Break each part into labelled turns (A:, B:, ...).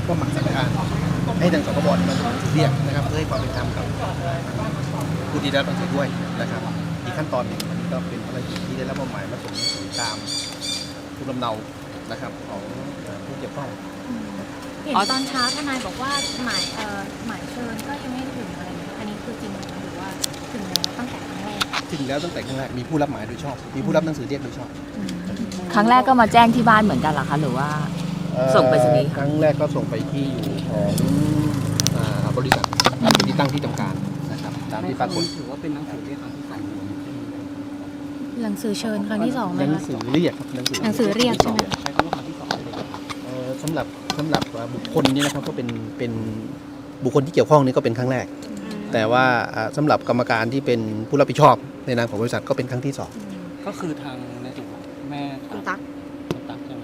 A: ก็หมั่นสั่งการให้ทางสคบมันเรียกนะครับเพื่อให้ความเป็นธรรมกับผู้ที่ได้รับหนังสือด้วยนะครับอีกขั้นตอนหนึ่งอันนี้ก็เป็นภารกิจที่ได้รับมอบหมายมาส่งหนังสือตามภูมิลำเนานะครับของผู้เกี่ยวข้อง
B: เห็นตอนเช้าทนายบอกว่าหมายเชิญก็ยังไม่ถึงอะไรอันนี้คือจริงหรือว่าถึงแล้วตั้งแต่ครั้งแรก
A: ถึงแล้วตั้งแต่ครั้งแรกมีผู้รับหมายโดยชอบมีผู้รับหนังสือเรียกโดยชอบ
C: ครั้งแรกก็มาแจ้งที่บ้านเหมือนกันเหรอคะหรือว่าส่งไปรษณีย์
A: ครั้งแรกก็ส่งไปที่อยู่ของบริษัทเป็นที่ตั้งที่ทำการนะครับตามที่ปรากฏ
D: ถือว่าเป็นหนังสือเรียกครั้งที่สอง
B: หนังสือเชิญครั้งที่สองไหม
A: หนังสือเรียก
B: หนังสือเรียกใช่ไหม
D: ใช้คำว่าครั้งที่สองเลย
A: สำหรับบุคคลนี้นะครับก็เป็นบุคคลที่เกี่ยวข้องนี้ก็เป็นครั้งแรกแต่ว่าสำหรับกรรมการที่เป็นผู้รับผิดชอบในนามของบริษัทก็เป็นครั้งที่สอง
D: ก็คือทางในส่วนของแม่
B: คุณตั๊ก
D: ใช่ไหม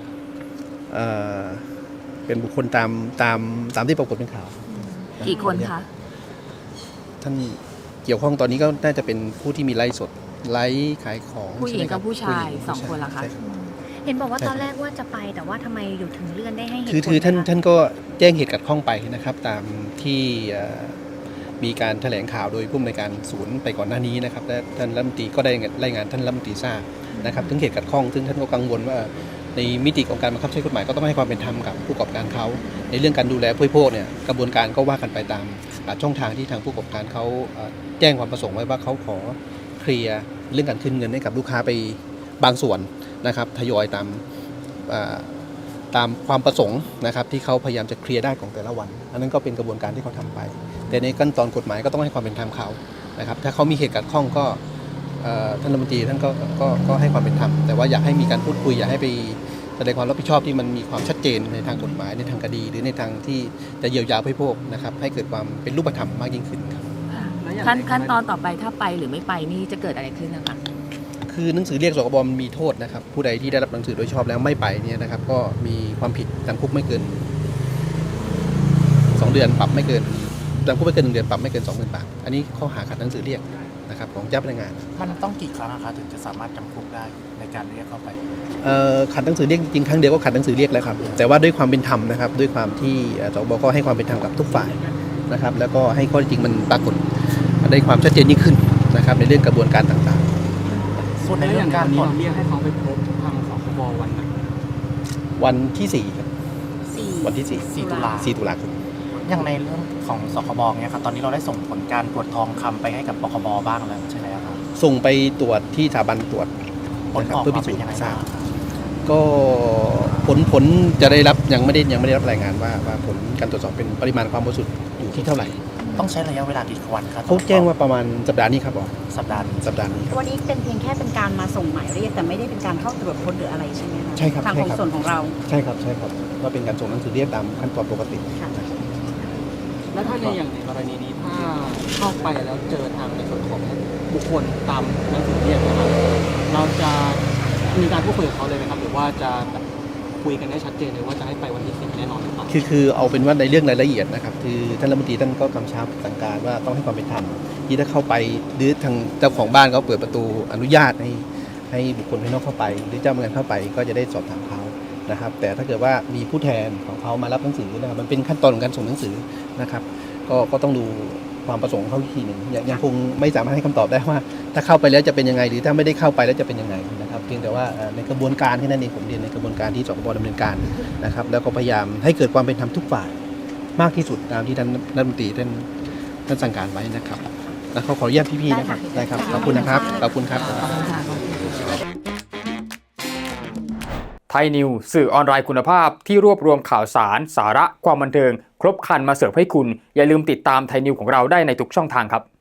A: เป็นบุคคลตามที่ปรากฏเป็นข่าว
C: กี่คนคะ
A: ท่านเกี่ยวข้องตอนนี้ก็น่าจะเป็นผู้ที่มีไลฟ์สดไลฟ์ขายของ
C: ผู้หญิงกับผู้ชาย2 คนละคะ
B: เห็นบอกว่าตอนแรกว่าจะไปแต่ว่าทำไมอยู่ถึงเลื่อนได้ให้เหตุผล
A: คือท่านก็แจ้งเหตุขัดข้องไปนะครับตามที่มีการแถลงข่าวโดยผู้อำนวยการศูนย์ไปก่อนหน้านี้นะครับและท่านรัฐมนตรีก็ได้รายงานท่านรัฐมนตรีทราบนะครับถึงเหตุขัดข้องซึ่งท่านก็กังวลว่าในมิติของการบังคับใช้กฎหมายก็ต้องให้ความเป็นธรรมกับผู้ประกอบการเขาในเรื่องการดูแลผู้บริโภคเนี่ยกระบวนการก็ว่ากันไปตามช่องทางที่ทางผู้ประกอบการเขาแจ้งความประสงค์ไว้ว่าเขาขอเคลียร์เรื่องการคืนเงินให้กับลูกค้าไปบางส่วนนะครับทยอยตามความประสงค์นะครับที่เขาพยายามจะเคลียร์ได้ของแต่ละวันอันนั้นก็เป็นกระบวนการที่เขาทำไปแต่ในขั้นตอนกฎหมายก็ต้องให้ความเป็นธรรมเขานะครับถ้าเขามีเหตุขัดข้องก็ท่านรัฐมนตรีท่านก็ให้ความเป็นธรรมแต่ว่าอยากให้มีการพูดคุยอยากให้ไปแสดงความรับผิดชอบที่มันมีความชัดเจนในทางกฎหมายในทางคดีหรือในทางที่จะเยียวยาผู้บริโภคนะครับให้เกิดความเป็นรูปธรรมมากยิ่งขึ้นครับ
C: ขั้นตอนต่อไปถ้าไปหรือไม่ไปนี่จะเกิดอะไรขึ้นนะคะ
A: คือหนังสือเรียกสคบมีโทษนะครับผู้ใดที่ได้รับหนังสือโดยชอบแล้วไม่ไปเนี่ยนะครับก็มีความผิดจำคุกไม่เกิน2 เดือนปรับไม่เกินจำคุกไม่เกิน1 เดือนปรับไม่เกิน 20,000 บาทอันนี้ข้อหาขัดหนังสือเรียกนะครับของเจ้าพนักงาน
D: มันต้องกี่ครั้งคะถึงจะสามารถจำคุกได้ในการเรียกเข้าไป
A: ขัดหนังสือเรียกจริงครั้งเดียวก็ขัดหนังสือเรียกแล้วครับแต่ว่าด้วยความเป็นธรรมนะครับด้วยความที่สคบก็ให้ความเป็นธรรมกับทุกฝ่ายนะครับแล้วก็ให้ข้อเท็จจริงมันปรากฏได้ความชัดเจนยิ่งขึ้นนะครับในเรื่องกระบวนการต่าง
D: ๆส่วนในเรื่องการผ่อนเรียกให้เขาไปพบทางสคบ
A: วันที่4ครับวันที่
D: 4 ตุลาคมอย่างในเรื่องของสคบเนี่ยครับตอนนี้เราได้ส่งผลการตรวจทองคำไปให้กับปคบบ้างแล้วใช่ไหมครับ
A: ส่งไปตรวจที่สถาบันตรวจ
D: ผลออกมาเป็นยังไงบ้าง
A: ก็ผลจะได้รับยังไม่ได้รับรายงานว่าผลการตรวจสอบเป็นปริมาณความบริสุทธิ์อยู่ที่เท่าไหร่
D: ต้องใช้ระยะเวลากี่วันครับ
A: เขาแจ้งว่าประมาณสัปดาห์นี้ครับ
D: สัปดาห์นี้
A: ครับ
B: วันนี้เป็นเพียงแค่เป็นการมาส่งหมายเรียกแต่ไม่ได้เป็นการเข้าตรวจค้นหรืออะไรใช่ไหมคะ
A: ใช่ครับ
B: ทางของส่วนของเรา
A: ใช่ครับก็เป็นการส่งหนังสือเรียกตามขั้นตอนปกติ
D: แล้วถ้าในอย่างในกรณีนี้ถ้าเข้าไปแล้วเจอทางในส่วนของบุคคลตามหนังสือเรียกนะครับเราจะมีการพูดคุยกับเขาเลยไหมครับหรือว่าจะคุยกันได้ชัดเจนเลยว่าจะให้ไปวันที่10แน่นอนหรือเปล่า
A: คือเอาเป็นว่าในเรื่องรายละเอียดนะครับคือท่านรัฐมนตรีท่านก็กำชับสั่งการว่าต้องให้ความเป็นธรรมที่ถ้าเข้าไปหรือทางเจ้าของบ้านเขาเปิดประตูอนุญาตให้บุคคลภายนอกเข้าไปหรือเจ้าพนักงานเข้าไปก็จะได้สอบถามเขานะครับแต่ถ้าเกิดว่ามีผู้แทนของเขามารับหนังสือนะครับมันเป็นขั้นตอนของการส่งหนังสือนะครับก็ต้องดูความประสงค์เขาอีกทีหนึ่งยังคงไม่สามารถให้คำตอบได้ว่าถ้าเข้าไปแล้วจะเป็นยังไงหรือถ้าไม่ได้เข้าไปแล้วจะเป็นยังไงนะครับเพียงแต่ว่าในกระบวนการที่นั่นเองผมเรียนในกระบวนการที่สคบดำเนินการนะครับแล้วก็พยายามให้เกิดความเป็นธรรมทุกฝ่ายมากที่สุดตามที่ท่านรัฐมนตรีท่านสั่งการไว้นะครับแล้วขออนุญาตพี่ๆนะครับได้ครับขอบคุณนะครับขอบคุณครับ
E: ไทยนิวสื่อออนไลน์คุณภาพที่รวบรวมข่าวสารสาระความบันเทิงครบครันมาเสิร์ฟให้คุณอย่าลืมติดตามไทยนิวของเราได้ในทุกช่องทางครับ